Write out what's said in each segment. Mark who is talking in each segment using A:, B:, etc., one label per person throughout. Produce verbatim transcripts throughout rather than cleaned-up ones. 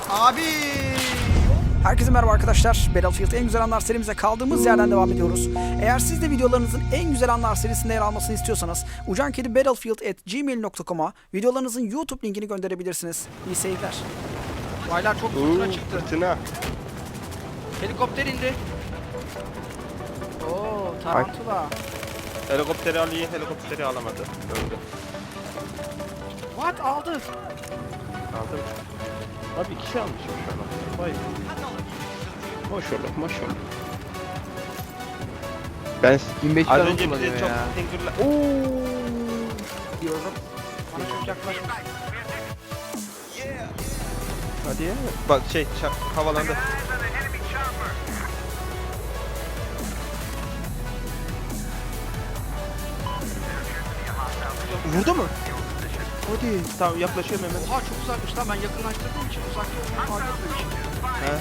A: Abi. Herkese merhaba arkadaşlar. Battlefield en güzel anlar serimize kaldığımız yerden devam ediyoruz. Eğer siz de videolarınızın en güzel anlar serisinde yer almasını istiyorsanız ucankedibattlefield at gmail nokta com'a videolarınızın YouTube linkini gönderebilirsiniz. İyi seyirler. Baylar çok fırtına çıktı.
B: Fırtına.
A: Helikopter indi. Oo, tarantula.
B: Helikopteri alayım, helikopteri alamadı. Öldü.
A: What aldı?
B: Aldım. Abi iki şey almışım şu an. Vay. Maşallah, maşallah. Ben
C: yirmi beş
B: az
C: tane
B: önce
C: kullanıyor
B: bize çok
C: ya.
B: teşekkürler. Ooo.
A: Diyorum. Bana çok yaklaşmış.
B: Hadi ya. Bak şey çak, havalandı. Vurdu mu? Hadi. Tamam yaklaşıyorum hemen.
A: Oha çok uzakmış lan, ben yakınlaştırdığım için uzakta olmayı fark etmemişim.
B: He.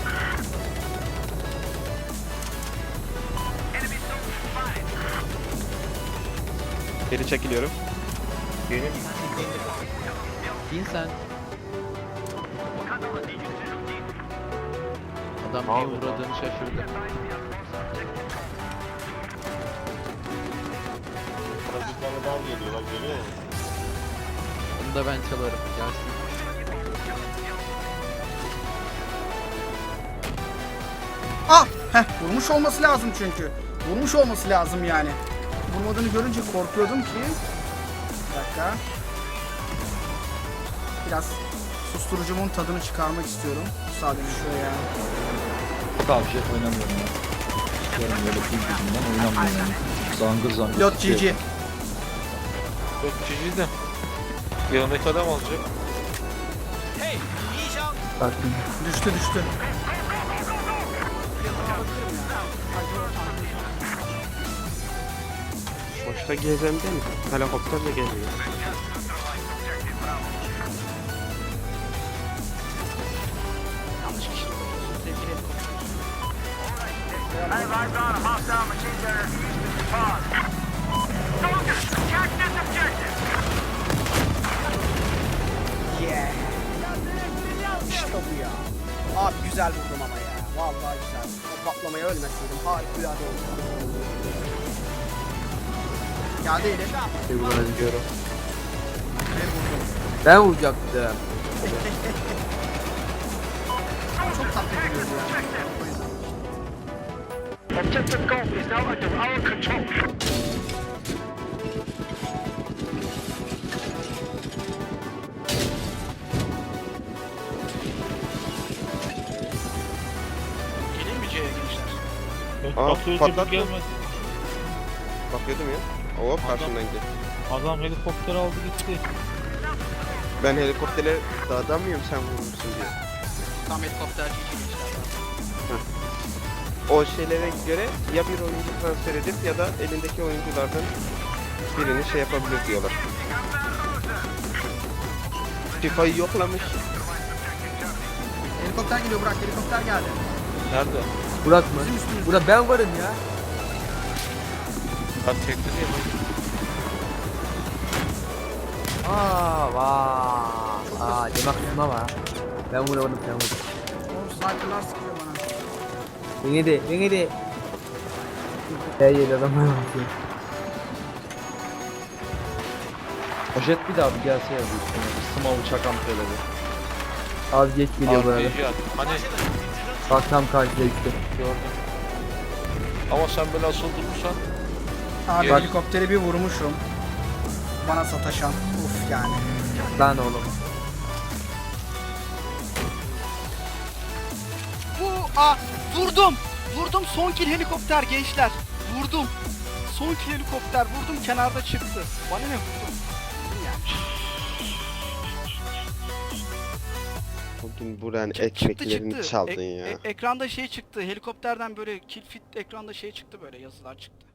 B: Geri çekiliyorum. Benim
C: Bin sen. Adam
B: Abi,
C: bir uğradığını şaşırdı.
D: Parazitlerden geliyor bak görüyor musun?
C: Onu da ben çalarım. Gelsin.
A: Ah! Heh, vurmuş olması lazım çünkü. Vurmuş olması lazım yani. Vurmadığını görünce korkuyordum ki. Bir dakika. Biraz susturucumun tadını çıkarmak istiyorum. Müsaade şuraya.
E: Tavşet oynamıyorum ya. İstiyorum böyle pil yüzünden oynamıyorum. Zangır zangır.
A: Pilot G G.
D: Yok cici de. Yanındaki adam alacak.
E: Baktım.
A: Düştü düştü.
B: boşta gezemde mi? Helikopterle geziyor.
A: Yanlış kişi. Sevgili Yeah. İşte bu ya. Abi güzel vurdum ama ya. Vallahi güzel. O patlamaya ölmeseydim harikulade oldu. Geldi eli.
C: Sevgiler diyorum.
A: Ve vurdum.
C: Ben vuracaktım.
A: Çok tatlı geliyordu ya. O yüzden.
F: Objective Golf is now under our control.
A: Geleyim mi C'ye gençler?
B: Aa,
D: Bakıyor
B: patlattı.
D: gibi gelmedi.
B: Bakıyordum ya. Hop karşımdan gitti.
D: Adam helikopter aldı gitti.
B: Ben helikopterle dağdan mıyım sen vurmuşsun diye.
A: Tam helikopterci gençler.
B: O şeylere göre ya bir oyuncu transfer edip ya da elindeki oyunculardan birini şey yapabilir diyorlar. FIFA'yı yoklamış.
A: Helikopter geliyor, Burak, helikopter geldi.
D: Nerede?
C: Burak mı?
A: Bizim üstümüzde.
C: Burak ben varım ya.
D: Ben tekte değil mi?
C: Aa vaa. Aa demek kısma var. Ben vuramadım sen vurdun.
A: Oğlum sniperlar sıkıyor bana.
C: Beni de beni de. Her yeri adamlar bakıyor.
E: Poşet bir daha bir gelse ya bu üstüne. Small uçak ampeleri.
C: Az geç geliyor bu arada.
D: R P G at. Hani
C: Bak tam karşıda işte.
D: gördüm. Ama sen böyle asıl durursan
A: Abi
D: Bak.
A: helikopteri bir vurmuşum. Bana sataşan. Uf yani.
C: Lan oğlum.
A: Bu a vurdum. Vurdum, son kill helikopter gençler. Vurdum. Son kill helikopter vurdum, kenarda çıktı. Bana ne vurdum? Vurdum yani.
B: Bugün buranın
A: Çık-
B: ekmeklerini
A: çıktı.
B: çaldın
A: E-
B: ya.
A: e- ekranda şey çıktı. Helikopterden böyle kill fit ekranda şey çıktı, böyle yazılar çıktı.